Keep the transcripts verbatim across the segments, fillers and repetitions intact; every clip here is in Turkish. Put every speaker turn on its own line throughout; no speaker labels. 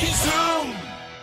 Rocky Zoom!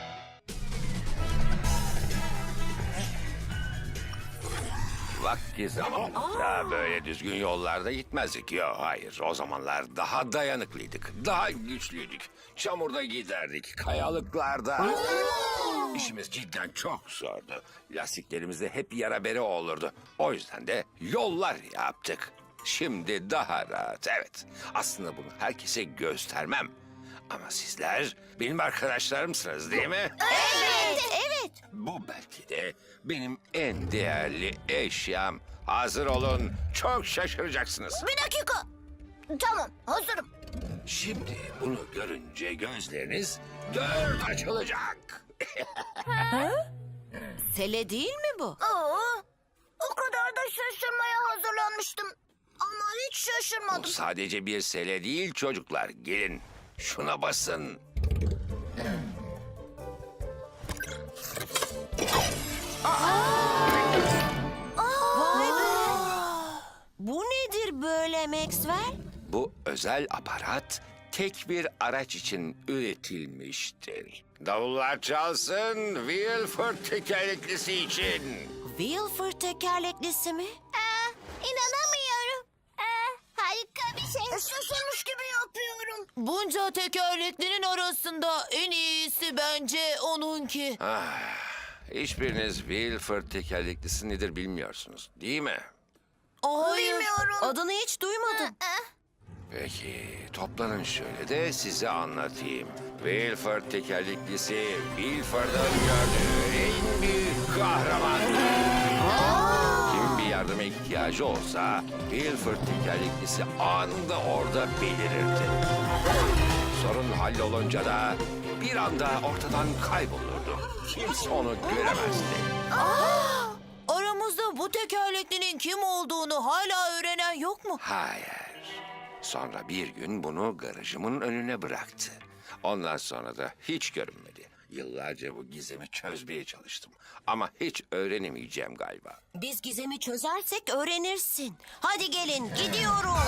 Vakti zamanında böyle düzgün yollarda gitmezdik. Yok hayır, o zamanlar daha dayanıklıydık, daha güçlüydük. Çamurda giderdik, kayalıklarda. İşimiz cidden çok zordu. Lastiklerimizde hep yara bere olurdu. O yüzden de yollar yaptık. Şimdi daha rahat, evet. Aslında bunu herkese göstermem. Ama sizler benim arkadaşlarımsınız değil mi?
Evet, evet.
Bu belki de benim en değerli eşyam. Hazır olun, çok şaşıracaksınız.
Bir dakika. Tamam, hazırım.
Şimdi bunu görünce gözleriniz dört açılacak.
Sele değil mi bu?
Aa, o kadar da şaşırmaya hazırlanmıştım. Ama hiç
Bu
şaşırmadım.
sadece bir sele değil çocuklar. Gelin şuna basın.
Vay be! Bu nedir böyle Maxwell?
Bu özel aparat tek bir araç için üretilmiştir. Davullar çalsın, Wilford tekerleklisi için.
Wilford tekerleklisi mi?
Aa, inanamıyorum. Aa, harika bir şey. Şaşırmış gibi yapıyorum.
Bunca tekerleklinin arasında en iyisi bence onunki.
Ah, hiçbiriniz Wilford tekerleklisi nedir bilmiyorsunuz, değil mi?
Hayır,
Bilmiyorum.
adını hiç duymadım.
Peki, toplanın şöyle de size anlatayım. Wilford tekerleklisi, Wilford'un gördüğü en büyük kahramandır. Kimin bir yardıma ihtiyacı olsa, Wilford tekerleklisi anında orada belirirdi. Sorun hallolunca da bir anda ortadan kaybolurdu. Kimse onu göremezdi.
Aramızda bu tekerleklinin kim olduğunu hala öğrenen yok mu?
Hayır. Sonra bir gün bunu garajımın önüne bıraktı. Ondan sonra da hiç görünmedi. Yıllarca bu gizemi çözmeye çalıştım. Ama hiç öğrenemeyeceğim galiba.
Biz gizemi çözersek öğrenirsin. Hadi gelin, gidiyoruz.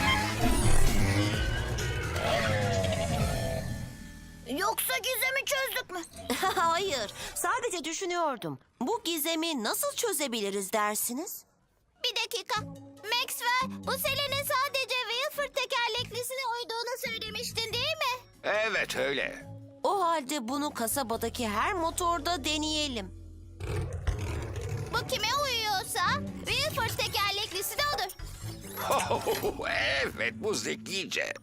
Yoksa gizemi çözdük mü?
Hayır, sadece düşünüyordum. Bu gizemi nasıl çözebiliriz dersiniz?
Bir dakika. Maxwell, bu Selen'in sadece Wilford tekerleklisine uyduğunu söylemiştin değil mi?
Evet öyle.
O halde bunu kasabadaki her motorda deneyelim.
Bu kime uyuyorsa Wilford tekerleklisi de odur.
Evet bu zekice.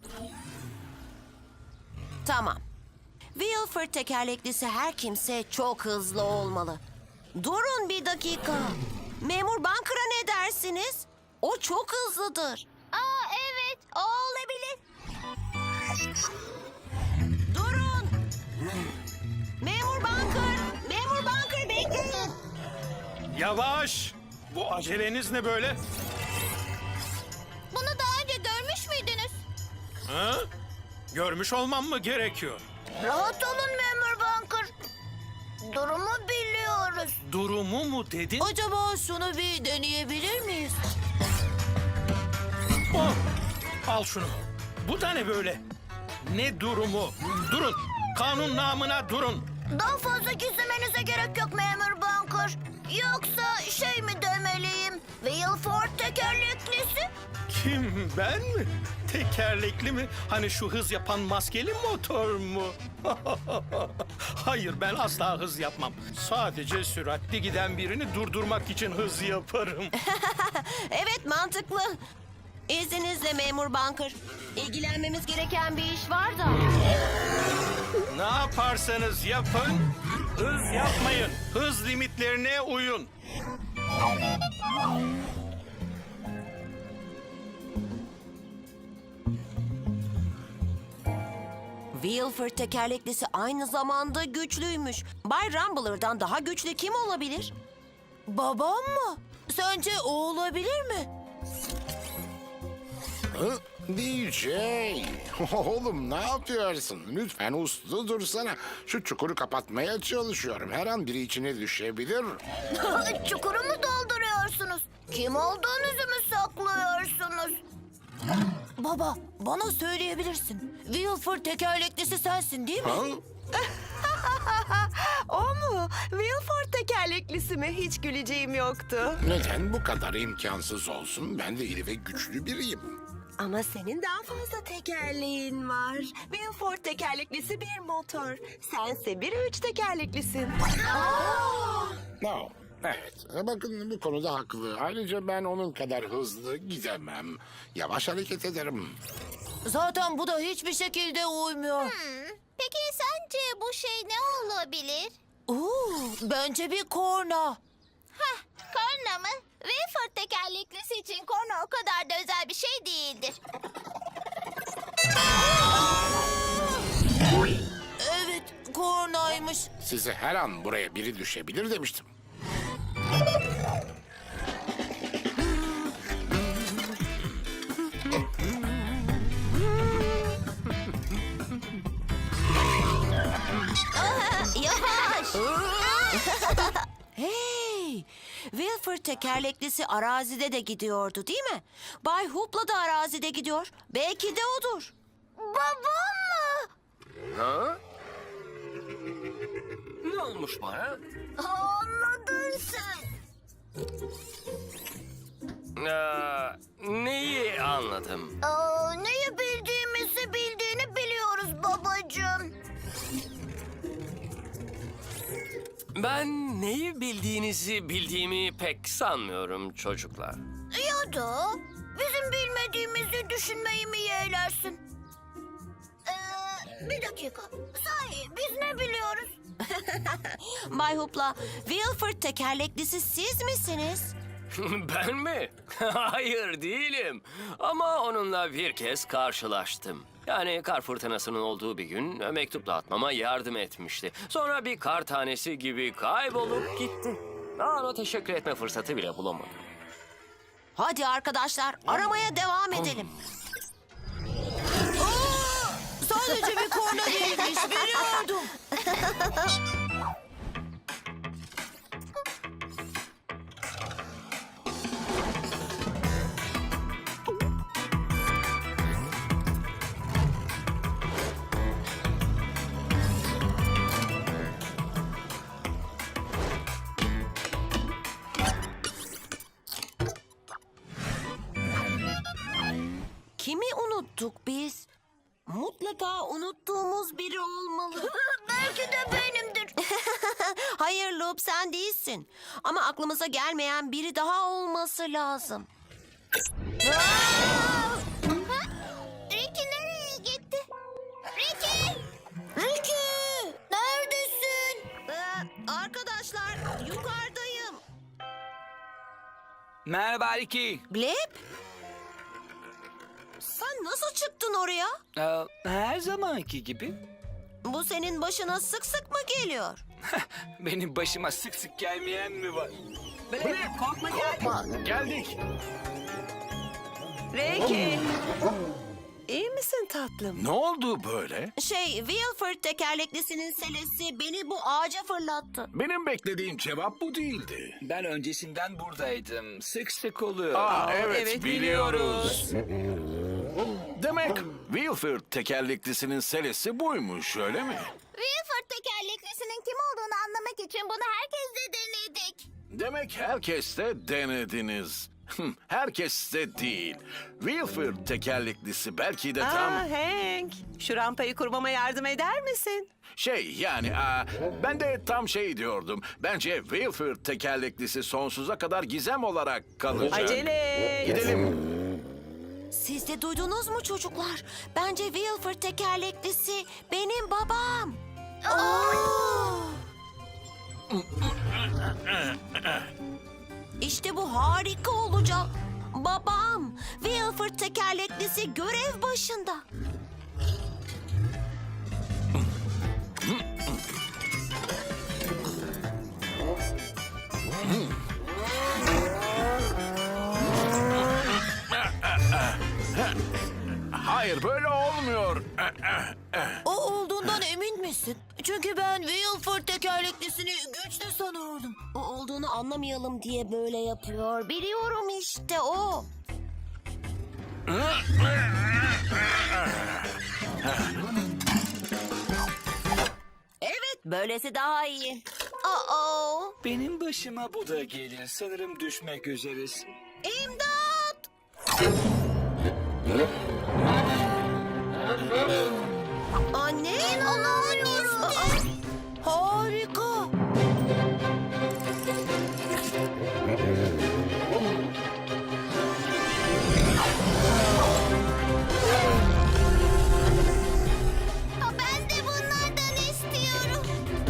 Tamam. Wilford tekerleklisi her kimse çok hızlı olmalı. Durun bir dakika. Memur Bunker'a ne dersiniz? O çok hızlıdır.
Aa evet, o olabilir.
Durun. Memur Bunker, Memur Bunker bekleyin.
Yavaş! Bu aceleniz ne böyle?
Bunu daha önce görmüş müydünüz?
Ha? Görmüş olmam mı gerekiyor?
Rahat olun Memur Bunker. Durumu biliyoruz.
Durumu mu dedin?
Acaba şunu bir deneyebilir miyiz?
Oh! Al şunu. Bu da ne böyle? Ne durumu? Durun. Kanun namına durun.
Daha fazla gizlemenize gerek yok Memur Bunker. Yoksa şey mi demeliyim? Wilford tekerleklisi?
Kim, ben mi? Tekerlekli mi? Hani şu hız yapan maskeli motor mu? Hayır, ben asla hız yapmam. Sadece süratli giden birini durdurmak için hız yaparım.
Evet, mantıklı. İzninizle Memur Bunker. İlgilenmemiz gereken bir iş var da.
Ne yaparsanız yapın, hız yapmayın. Hız limitlerine uyun.
Wilford tekerleklisi aynı zamanda güçlüymüş. Bay Rumbler'dan daha güçlü kim olabilir? Babam mı? Sence o olabilir mi?
Hı? D J, oğlum ne yapıyorsun? Lütfen uslu dursana. Şu çukuru kapatmaya çalışıyorum. Her an biri içine düşebilir.
Çukuru mu dolduruyorsunuz? Kim olduğunuzu mu saklıyorsunuz?
Baba, bana söyleyebilirsin. Wilford tekerleklisi sensin değil mi?
Ha?
O mu? Wilford tekerleklisi mi? Hiç güleceğim yoktu.
Neden bu kadar imkansız olsun? Ben de iri ve güçlü biriyim.
Ama senin daha fazla tekerleğin var. Wilford tekerleklisi bir motor. Sense bir üç tekerleklisin.
No. Evet, bakın bu konuda haklı. Ayrıca ben onun kadar hızlı gidemem. Yavaş hareket ederim.
Zaten bu da hiçbir şekilde uymuyor.
Peki sence bu şey ne olabilir?
Oo, bence bir korna.
Hah, korna mı? Wilford tekerleklisi için korna o kadar da özel bir şey değildir.
Evet, kornaymış.
Size her an buraya biri düşebilir demiştim.
Yavaş. Hey, Wilford tekerleklisi arazide de gidiyordu değil mi? Bay Hoopla da arazide gidiyor. Belki de odur.
Babam mı?
Ha? Ne olmuş bana?
Anladın sen.
Aa, neyi anladım?
Aa, neyi bildiğimizi bildiğini biliyoruz babacığım.
Ben neyi bildiğinizi bildiğimi pek sanmıyorum çocuklar.
Ya da bizim bilmediğimizi düşünmeyi mi yeğlersin? Ee, bir dakika. Sahi biz ne biliyoruz?
Bay Hoopla, Wilford tekerleklisi siz misiniz?
Ben mi? Hayır değilim. Ama onunla bir kez karşılaştım. Yani kar fırtınasının olduğu bir gün mektup dağıtmama yardım etmişti. Sonra bir kar tanesi gibi kaybolup gitti. Ona teşekkür etme fırsatı bile bulamadım.
Hadi arkadaşlar, aramaya devam edelim. Aa, sadece bir korna değilmiş, biliyordum. Kimi unuttuk biz? Mutlaka unuttuğumuz biri olmalı.
Belki de benimdir.
Hayır Loop, sen değilsin. Ama aklımıza gelmeyen biri daha olması lazım.
Ricky nereye gitti? Ricky! Ricky! Neredesin?
Ee, arkadaşlar, yukarıdayım.
Merhaba Ricky.
Gleb? Sen nasıl çıktın oraya?
Ee, her zamanki gibi.
Bu senin başına sık sık mı geliyor?
Benim başıma sık sık gelmeyen mi var? korkma gel.
Geldik.
Ricky. İyi misin tatlım?
Ne oldu böyle?
Şey, Wilford tekerleklisinin selesi beni bu ağaca fırlattı.
Benim beklediğim cevap bu değildi.
Ben öncesinden buradaydım. Sık sık oluyor.
Aa, evet,
evet,
biliyoruz. Demek Wilford tekerleklisinin selesi buymuş, öyle mi?
Wilford tekerleklisinin kim olduğunu anlamak için bunu herkesle denedik.
Demek herkes de denediniz. Herkes de değil. Wilford tekerleklisi belki de tam...
Aa, Hank. Şu rampayı kurmama yardım eder misin?
Şey yani aa, ben de tam şey diyordum. Bence Wilford tekerleklisi sonsuza kadar gizem olarak kalacak.
Acele et.
Gidelim.
Siz de duydunuz mu çocuklar? Bence Wilford tekerleklisi benim babam. İşte bu harika olacak. Babam, Wilford tekerleklisi görev başında.
Hayır, böyle olmuyor.
O olduğundan emin misin? Çünkü ben Wilford tekerleklisini güçlü sanıyordum. O olduğunu anlamayalım diye böyle yapıyor. Biliyorum işte o. Böylesi daha iyi. Aa,
Benim başıma bu da gelir. Sanırım düşmek üzeriz.
İmdat! Anne?
İnanamıyorum.
Aa, harika.
Aa, ben de bunlardan istiyorum.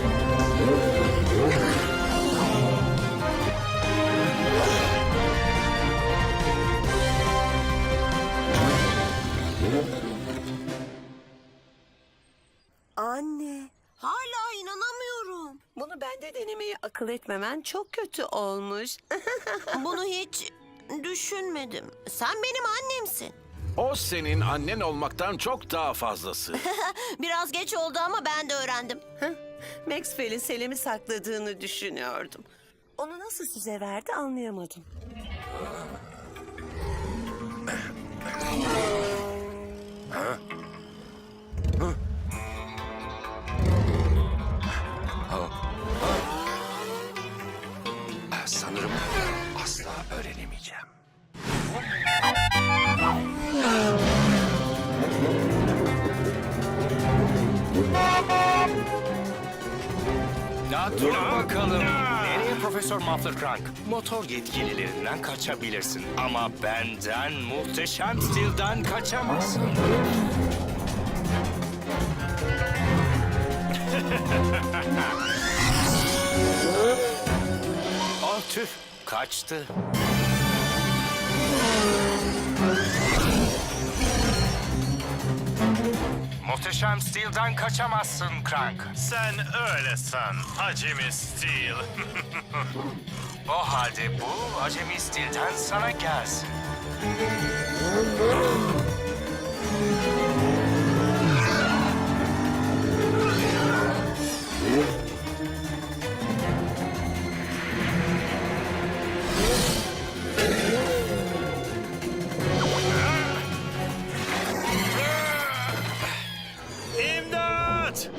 Anne, hala inanamıyorum.
Bunu bende denemeyi akıl etmemen çok kötü olmuş.
Bunu hiç düşünmedim. Sen benim annemsin.
O senin annen olmaktan çok daha fazlası.
Biraz geç oldu ama ben de öğrendim.
Maxwell'in Selim'i sakladığını düşünüyordum. Onu nasıl size verdi anlayamadım.
Sanırım asla öğrenemeyeceğim.
Ya dur bakalım. Nereye Profesör Muffler Crank? Motor yetkililerinden kaçabilirsin. Ama benden, muhteşem stilden kaçamazsın. Oh tüh, kaçtı. Muhteşem Steel'den kaçamazsın Crank.
Sen öyle san, acemi Steel.
O halde bu acemi Steel'den sana gelsin.
İmdat!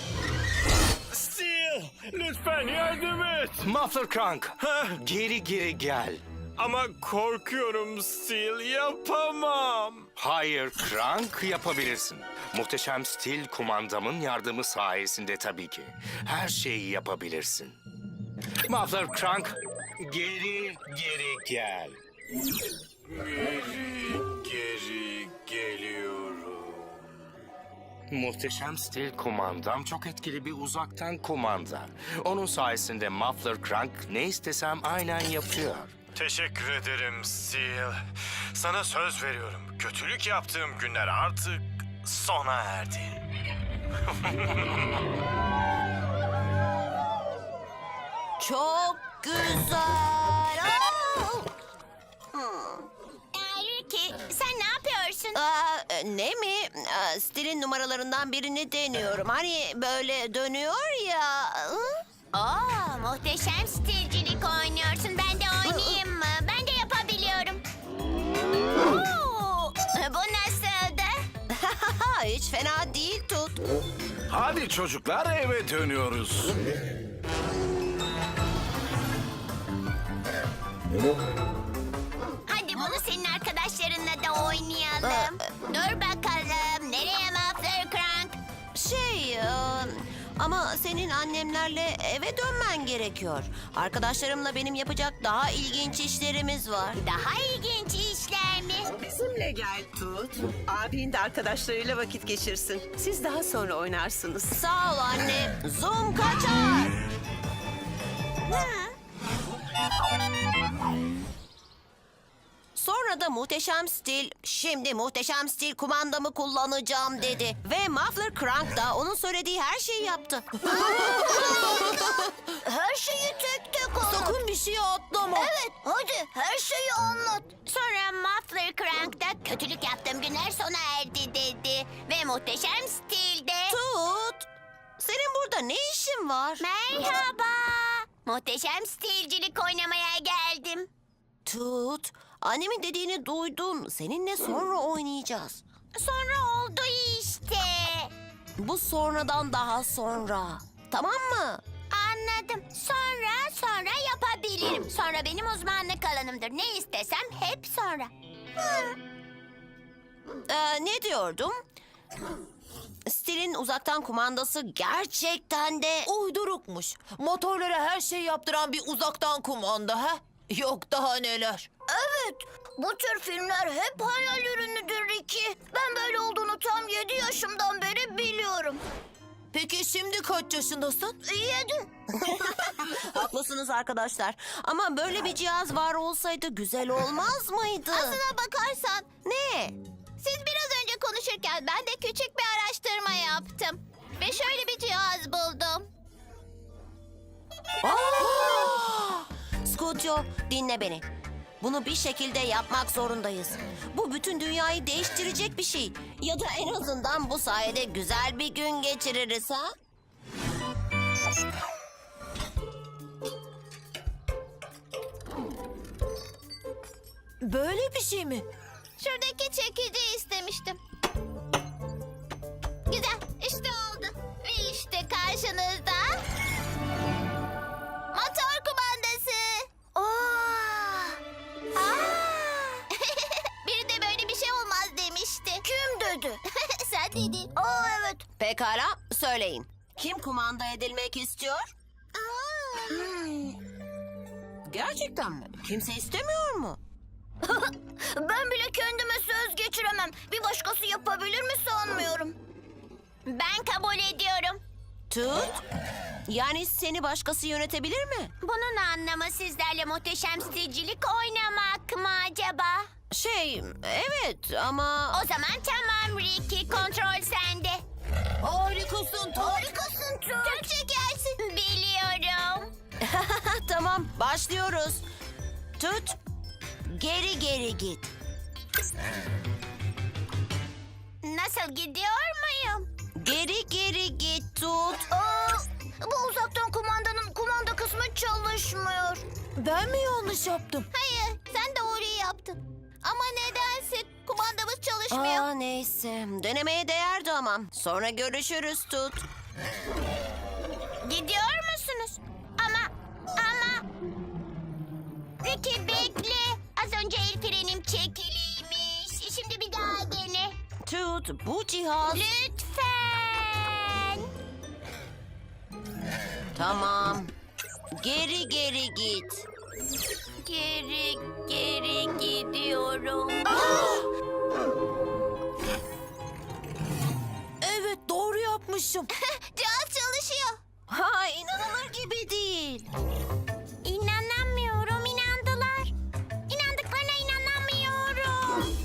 Steel, lütfen yardım et.
Muffler Crank, geri geri gel.
Ama korkuyorum Steel, yapamam.
Hayır Crank, yapabilirsin. Muhteşem Steel kumandamın yardımı sayesinde tabii ki. Her şeyi yapabilirsin. Muffler Crank, geri geri gel.
Geri geliyorum.
Muhteşem Steel kumandam çok etkili bir uzaktan kumanda. Onun sayesinde Muffler Crank ne istesem aynen yapıyor.
Teşekkür ederim Steel. Sana söz veriyorum. Kötülük yaptığım günler artık sona erdi.
Çok güzel. Aa!
Ricky, sen ne yapıyorsun?
Aa, ne mi? Aa, stilin numaralarından birini deniyorum. Hani böyle dönüyor ya. Hı?
Aa, muhteşem stilcilik oynuyorsun. Ben de oynayayım mı? Ben de yapabiliyorum. Oo, bu nasıldı?
Hiç fena değil Tut.
Hadi çocuklar eve dönüyoruz.
Hadi bunu senin arkadaşlarınla da oynayalım. Dur bakalım. Nereye Muffler Crank?
Şey, e, ama senin annemlerle eve dönmen gerekiyor. Arkadaşlarımla benim yapacak daha ilginç işlerimiz var.
Daha ilginç işler mi?
Bizimle gel Tut. Abin de arkadaşlarıyla vakit geçirsin. Siz daha sonra oynarsınız.
Sağ ol anne. Zoom kaçar. Sonra da muhteşem stil, şimdi muhteşem stil kumandamı kullanacağım dedi. Ve Muffler Crank da onun söylediği her şeyi yaptı.
Her şeyi tek tek anlat.
Sakın bir şey atlama.
Evet, hadi her şeyi anlat. Sonra Muffler Crank da kötülük yaptığım günler sona erdi dedi. Ve muhteşem stilde...
Tut, senin burada ne işin var?
Merhaba. Muhteşem stilcilik oynamaya geldim.
Tut, annemin dediğini duydum. Seninle sonra oynayacağız.
Sonra oldu işte.
Bu sonradan daha sonra. tamam mı?
Anladım. Sonra sonra yapabilirim. Sonra benim uzmanlık alanımdır. Ne istesem hep sonra. Hı.
Ee, ne diyordum? Stil'in uzaktan kumandası gerçekten de...
Uydurukmuş. Motorlara her şey yaptıran bir uzaktan kumanda ha? Yok daha neler.
Evet. Bu tür filmler hep hayal ürünüdür Ricky. Ben böyle olduğunu tam yedi yaşımdan beri biliyorum.
Peki şimdi kaç yaşındasın?
Yedi.
Haklısınız arkadaşlar. Ama böyle bir cihaz var olsaydı güzel olmaz mıydı?
Aslına bakarsan
Ne?
siz biraz önce konuşurken ben de küçük bir araştırma yaptım. Ve şöyle bir cihaz buldum.
Scutio, dinle beni. Bunu bir şekilde yapmak zorundayız. Bu bütün dünyayı değiştirecek bir şey. Ya da en azından bu sayede güzel bir gün geçiririz ha?
Böyle bir şey mi?
Şuradaki çekici istemiştim. Güzel, işte oldu. Ve işte karşınızda... motor kumandası. Aa! Aa! Biri de böyle bir şey olmaz demişti. Kim dedi? Sen dedin. Aa evet.
Pekala, söyleyin. Kim kumanda edilmek istiyor? Gerçekten mi? Kimse istemiyor mu?
Ben bile kendime söz geçiremem. Bir başkası yapabilir mi sanmıyorum. Ben kabul ediyorum.
Tut. Yani seni başkası yönetebilir mi?
Bunun anlamı sizlerle muhteşem stilcilik oynamak mı acaba?
Şey, evet ama...
O zaman tamam Ricky, kontrol sende.
Harikasın Tut.
Harikasın Tut. Çok şekersin. Biliyorum.
Tamam, başlıyoruz. Tut. Geri geri git.
Nasıl gidiyor muyum?
Geri geri git Tut.
Aa, bu uzaktan kumandanın kumanda kısmı çalışmıyor.
Ben mi yanlış yaptım?
Hayır, sen doğruyu yaptın. Ama nedense kumandamız çalışmıyor.
Aa, neyse. Denemeye değerdi ama. Sonra görüşürüz Tut.
Gidiyor musunuz? Ama, ama... Ricky bekle. Az önce el frenim çekiliymiş. Şimdi bir daha dene.
Tut, bu cihaz...
Lütfen.
Tamam. Geri geri git.
Geri, geri gidiyorum.
Evet doğru yapmışım.
Cihaz çalışıyor.
Ha, inanılır gibi değil.
İnanamıyorum, inandılar. İnandıklarına inanamıyorum.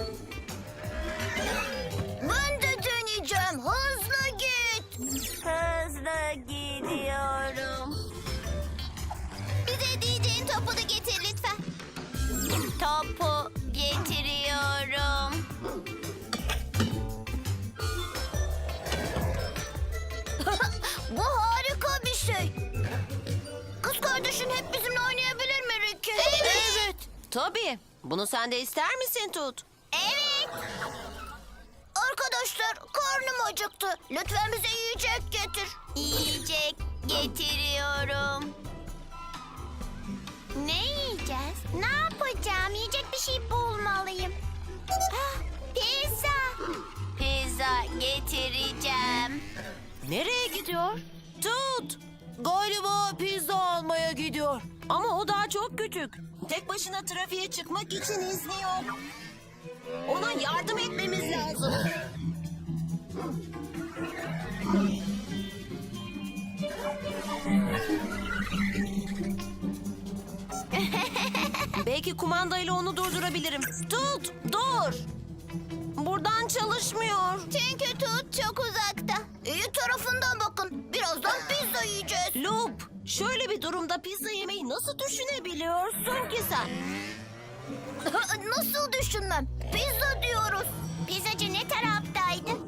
Ben de deneyeceğim. Hızlı git. Hızlı gidiyorum. Bize D J'nin topunu getir lütfen. Topu getiriyorum. Bu harika bir şey. Kız kardeşin hep bizimle oynayabilir mi Ricky?
Evet. Tabii. Bunu sen de ister misin Tut?
Evet. Arkadaşlar karnım acıktı. Lütfen bize yiyecek getir. Yiyecek getiriyorum. Ne yiyeceğiz? Ne yapacağım? Yiyecek bir şey bulmalıyım. Ah, pizza. Pizza getireceğim.
Nereye gidiyor? Tut.
Galiba pizza almaya gidiyor.
Ama o daha çok küçük. Tek başına trafiğe çıkmak için izni yok. Ona yardım etmemiz lazım. Belki kumandayla onu durdurabilirim. Tut, dur. Buradan çalışmıyor.
Çünkü Tut çok uzakta. İyi tarafından bakın. Birazdan pizza yiyeceğiz.
Loop, şöyle bir durumda pizza yemeyi nasıl düşünebiliyorsun ki sen?
Nasıl düşünmem? Pizza diyoruz. Pizzacı ne taraftaydı?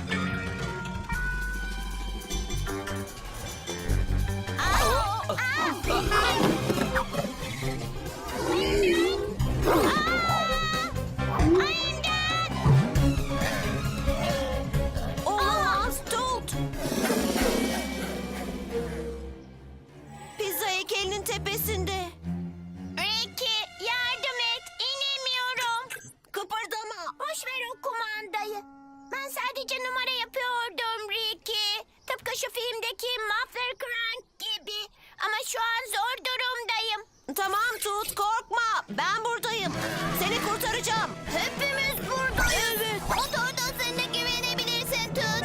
Aa, aa.
tepesinde.
Ricky yardım et. İnemiyorum.
Kıpırdama.
Boş ver o kumandayı. Ben sadece numara yapıyordum Ricky. Tıpkı şu filmdeki Muffler Crank gibi. Ama şu an zor durumdayım.
Tamam Tut, korkma. Ben buradayım. Seni kurtaracağım.
Hepimiz buradayız. Evet. Motor dostlarına güvenebilirsin Tut.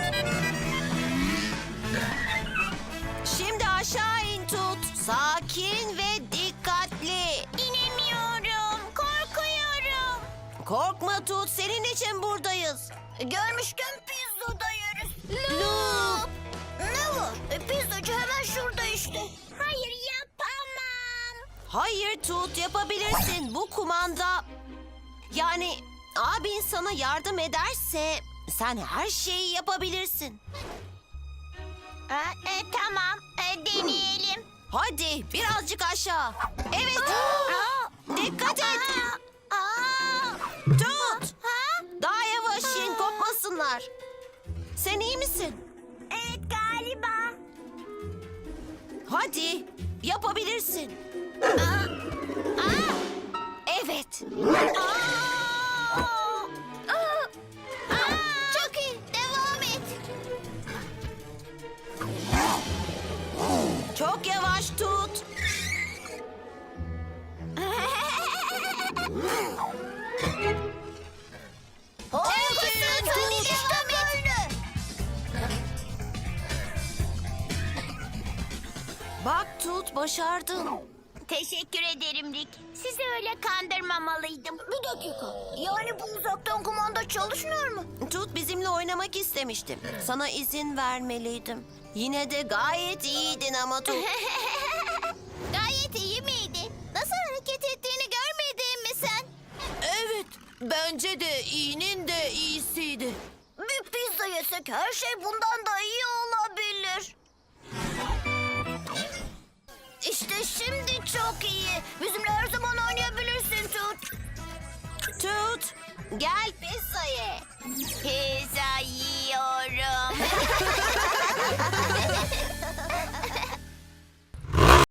Şimdi aşağı in Tut. Sakin ve dikkatli.
İnemiyorum. Korkuyorum.
Korkma Tut, senin için buradayız.
Görmüşken pizzoda yeriz. Loop. Ne var? E, pizzacı hemen şurada işte. Hayır yapamam.
Hayır Tut, yapabilirsin. Bu kumanda... Yani abin sana yardım ederse sen her şeyi yapabilirsin.
Ha, e, tamam. E, deneyelim.
Hadi birazcık aşağı. Evet. Dikkat et.
Aa, aa.
Tut.
Ha?
Daha yavaş in, kopmasınlar. Sen iyi misin?
Evet galiba.
Hadi yapabilirsin.
Aa, aa.
Evet.
Aa! Aa! Aa! Çok iyi. Devam et.
Çok yavaş Tut.
Harikasın. Hadi devam et.
Bak Tut, başardın.
Teşekkür ederim Rick. Sizi öyle kandırmamalıydım. Bir dakika. Yani bu uzaktan kumanda çalışmıyor mu?
Tut bizimle oynamak istemiştim. Sana izin vermeliydim. Yine de gayet iyiydin ama Tut.
Gayet iyi miydi? Nasıl hareket ettiğini görmedin mi sen?
Evet, bence de iyinin de iyisiydi.
Bir pizza yesek her şey bundan da iyi olabilir. İşte şimdi çok iyi. Bizimle her zaman oynayabilirsin Tut.
Tut, gel
Pizza ye. Pizza.